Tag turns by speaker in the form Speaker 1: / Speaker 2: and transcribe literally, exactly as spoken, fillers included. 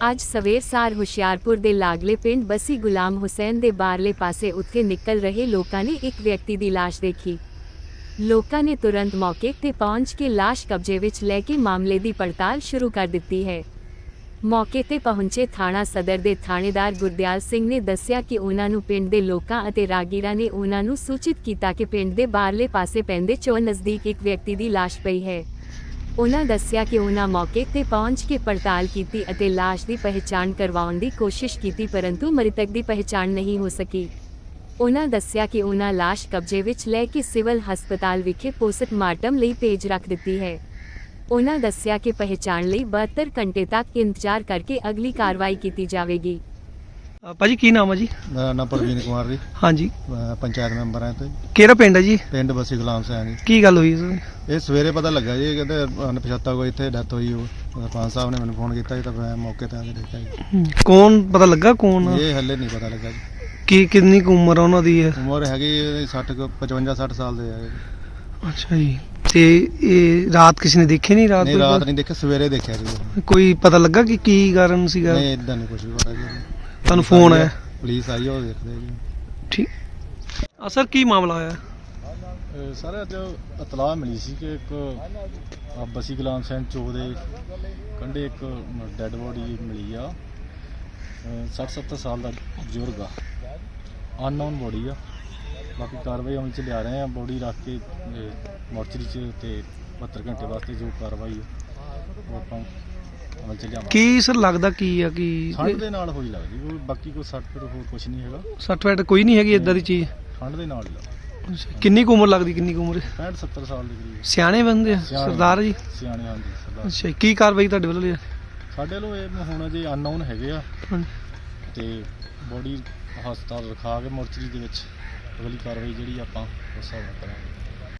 Speaker 1: ਅੱਜ ਸਵੇਰ ਸਾਰ ਹੁਸ਼ਿਆਰਪੁਰ ਦੇ ਲਾਗਲੇ ਪਿੰਡ ਬਸੀ ਗੁਲਾਮ ਹੁਸੈਨ ਦੇ ਬਾਹਰਲੇ ਪਾਸੇ ਉੱਥੇ ਨਿਕਲ ਰਹੇ ਲੋਕਾਂ ਨੇ ਇੱਕ ਵਿਅਕਤੀ ਦੀ ਲਾਸ਼ ਦੇਖੀ। ਲੋਕਾਂ ਨੇ ਤੁਰੰਤ ਮੌਕੇ ਤੇ ਪਹੁੰਚ ਕੇ ਲਾਸ਼ ਕਬਜ਼ੇ ਵਿੱਚ ਲੈ ਕੇ ਮਾਮਲੇ ਦੀ ਪੜਤਾਲ ਸ਼ੁਰੂ ਕਰ ਦਿੱਤੀ ਹੈ। ਮੌਕੇ ਤੇ ਪਹੁੰਚੇ ਥਾਣਾ ਸਦਰ ਦੇ ਥਾਣੇਦਾਰ ਗੁਰਦਿਆਲ ਸਿੰਘ ਨੇ ਦੱਸਿਆ ਕਿ ਉਹਨਾਂ ਨੂੰ ਪਿੰਡ ਦੇ ਲੋਕਾਂ ਅਤੇ ਰਾਗੀਰਾਂ ਨੇ ਉਹਨਾਂ ਨੂੰ ਸੂਚਿਤ ਕੀਤਾ ਕਿ ਪਿੰਡ ਦੇ ਬਾਹਰਲੇ ਪਾਸੇ ਪੈਂਦੇ ਚੋਂ ਨਜ਼ਦੀਕ ਇੱਕ ਵਿਅਕਤੀ ਦੀ ਲਾਸ਼ ਪਈ ਹੈ। ਉਹਨਾਂ ਦੱਸਿਆ ਕਿ ਉਹਨਾਂ ਮੌਕੇ ਤੇ ਪਹੁੰਚ ਕੇ ਪੜਤਾਲ ਕੀਤੀ ਅਤੇ ਲਾਸ਼ ਦੀ ਪਹਿਚਾਣ ਕਰਵਾਉਣ ਦੀ ਕੋਸ਼ਿਸ਼ ਕੀਤੀ, ਪਰੰਤੂ ਮ੍ਰਿਤਕ ਦੀ ਪਹਿਚਾਣ ਨਹੀਂ ਹੋ ਸਕੀ। ਉਹਨਾਂ ਦੱਸਿਆ ਕਿ ਉਹਨਾਂ ਲਾਸ਼ ਕਬਜ਼ੇ ਵਿੱਚ ਲੈ ਕੇ ਸਿਵਲ ਹਸਪਤਾਲ ਵਿਖੇ ਪੋਸਟਮਾਰਟਮ ਲਈ ਭੇਜ ਰੱਖ ਦਿੱਤੀ ਹੈ। ਉਹਨਾਂ ਦੱਸਿਆ ਕਿ ਪਹਿਚਾਣ ਲਈ ਬਹੱਤਰ ਘੰਟੇ ਤੱਕ ਇੰਤਜ਼ਾਰ ਕਰਕੇ ਅਗਲੀ ਕਾਰਵਾਈ ਕੀਤੀ ਜਾਵੇਗੀ।
Speaker 2: ਭਾਜੀ ਕੀ ਨਾਮ ਹੈ ਜੀ?
Speaker 3: ਮੇਰਾ ਨਾਮ ਪ੍ਰਵੀਨ ਕੁਮਾਰ ਜੀ।
Speaker 2: ਹਾਂਜੀ,
Speaker 3: ਮੈਂ ਪੰਚਾਇਤ ਮੈਂਬਰ ਹਾਂ ਤੇ
Speaker 2: ਕਿਹੜਾ ਪਿੰਡ ਹੈ ਜੀ?
Speaker 3: ਪਿੰਡ ਬਸੀ ਗੁਲਾਮ ਸਿੰਘ ਜੀ।
Speaker 2: ਕੀ ਗੱਲ ਹੋਈ ਸਰ?
Speaker 3: ਇਹ ਸਵੇਰੇ ਪਤਾ ਲੱਗਾ ਜੀ, ਕਹਿੰਦੇ ਅਣਪਛਾਤਾ ਕੋਈ ਇੱਥੇ ਡੈਥ ਹੋਈ। ਉਹ ਸਰਪੰਚ ਸਾਹਿਬ ਨੇ ਮੈਨੂੰ ਫੋਨ ਕੀਤਾ ਜੀ, ਤਾਂ ਮੈਂ ਮੌਕੇ ਤੇ ਆ ਕੇ ਦੇਖਿਆ ਜੀ।
Speaker 2: ਕੌਣ ਪਤਾ ਲੱਗਾ ਕੌਣ?
Speaker 3: ਇਹ ਹੱਲੇ ਨਹੀਂ ਪਤਾ ਲੱਗਾ ਜੀ।
Speaker 2: ਕੀ ਕਿੰਨੀ ਕੁ ਉਮਰ ਆ ਉਹਨਾਂ ਦੀ ਹੈ?
Speaker 3: ਉਮਰ ਹੈਗੀ ਸੱਠ ਪਚਵੰਜਾ ਸੱਠ ਸਾਲ ਦੇ ਆ ਜੀ।
Speaker 2: ਅੱਛਾ ਜੀ। ਤੇ ਇਹ ਰਾਤ ਕਿਸੇ ਨੇ ਦੇਖੀ ਨਹੀਂ? ਰਾਤ
Speaker 3: ਨਹੀਂ ਰਾਤ ਨਹੀਂ ਦੇਖਿਆ, ਸਵੇਰੇ ਦੇਖਿਆ ਜੀ।
Speaker 2: ਕੋਈ ਪਤਾ ਲੱਗਾ ਕਿ ਕੀ ਕਾਰਨ ਸੀਗਾ?
Speaker 3: ਨਹੀਂ ਇਦਾਂ ਨਹੀਂ ਕੁਝ ਵੀ ਪਤਾ ਜੀ।
Speaker 2: ਤੁਹਾਨੂੰ ਫੋਨ ਆਇਆ?
Speaker 3: ਪੁਲਿਸ ਆਈ ਉਹ ਦੇਖਦੇ ਜੀ।
Speaker 2: ਠੀਕ ਆ ਸਰ, ਕੀ ਮਾਮਲਾ ਹੋਇਆ?
Speaker 3: ਸਰ ਅੱਜ ਇਤਲਾਹ ਮਿਲੀ ਸੀ ਕਿ ਇੱਕ ਬਸੀ ਗੁਲਾਮ ਸਿੰਘ ਚੌਕ ਦੇ ਕੰਢੇ ਇੱਕ ਡੈੱਡ ਬੋਡੀ ਮਿਲੀ ਆ। ਸੱਠ ਸੱਤਰ ਸਾਲ ਦਾ ਬਜ਼ੁਰਗ ਆ, ਅਨਨੋਨ ਬੋਡੀ ਆ। ਬਾਕੀ ਕਾਰਵਾਈ ਅਮਲ 'ਚ ਲਿਆ ਰਹੇ ਆ। ਬੋਡੀ ਰੱਖ ਕੇ ਮੋਰਚਰੀ 'ਚ ਤੇ ਬਹੱਤਰ ਘੰਟੇ ਵਾਸਤੇ ਜੋ ਕਾਰਵਾਈ ਆ ਉਹ ਆਪਾਂ ਅਮਲ 'ਚ ਲਿਆਵਾਂਗੇ।
Speaker 2: ਕੀ ਸਰ ਲੱਗਦਾ ਕੀ ਆ ਕਿ
Speaker 3: ਠੰਡ ਦੇ ਨਾਲ ਹੋਈ ਲੱਗਦੀ, ਕੋਈ ਬਾਕੀ ਕੋਈ ਸੱਟ ਫਿਰ ਹੋਰ ਕੁਝ ਨਹੀਂ ਹੈਗਾ।
Speaker 2: ਸੱਟ ਫੈਟ ਕੋਈ ਨਹੀਂ ਹੈਗੀ ਇਦਾਂ ਦੀ ਚੀਜ਼?
Speaker 3: ਠੰਡ ਦੇ ਨਾਲ ਹੀ ਲੱਗਦਾ।
Speaker 2: ਅੱਛਾ, ਕਿੰਨੀ ਕੁ ਉਮਰ ਲੱਗਦੀ? ਕਿੰਨੀ ਕੁ ਉਮਰ?
Speaker 3: ਪੈਂਹਠ ਸੱਤਰ ਸਾਲ ਦੇ ਕਰੀਬ।
Speaker 2: ਸਿਆਣੇ ਬੰਦੇ ਆ ਸਰਦਾਰ ਜੀ?
Speaker 3: ਸਿਆਣੇ, ਹਾਂਜੀ ਸਰਦਾਰ।
Speaker 2: ਅੱਛਾ, ਕੀ ਕਾਰਵਾਈ ਤੁਹਾਡੇ ਵੱਲੋਂ ਲਿਆ?
Speaker 3: ਸਾਡੇ ਵੱਲੋਂ ਇਹ ਹੁਣ ਜੇ ਅਨਨੋਨ ਹੈਗੇ ਆ
Speaker 2: ਹਾਂਜੀ।
Speaker 3: ਤੇ ਬੋਡੀ ਹਸਪਤਾਲ ਰਖਾ ਕੇ ਮੋਰਚਰੀ ਦੇ ਵਿੱਚ ਅਗਲੀ ਕਾਰਵਾਈ ਜਿਹੜੀ ਆਪਾਂ ਉਸ ਹਿਸਾਬ ਨਾਲ ਕਰਾਂਗੇ।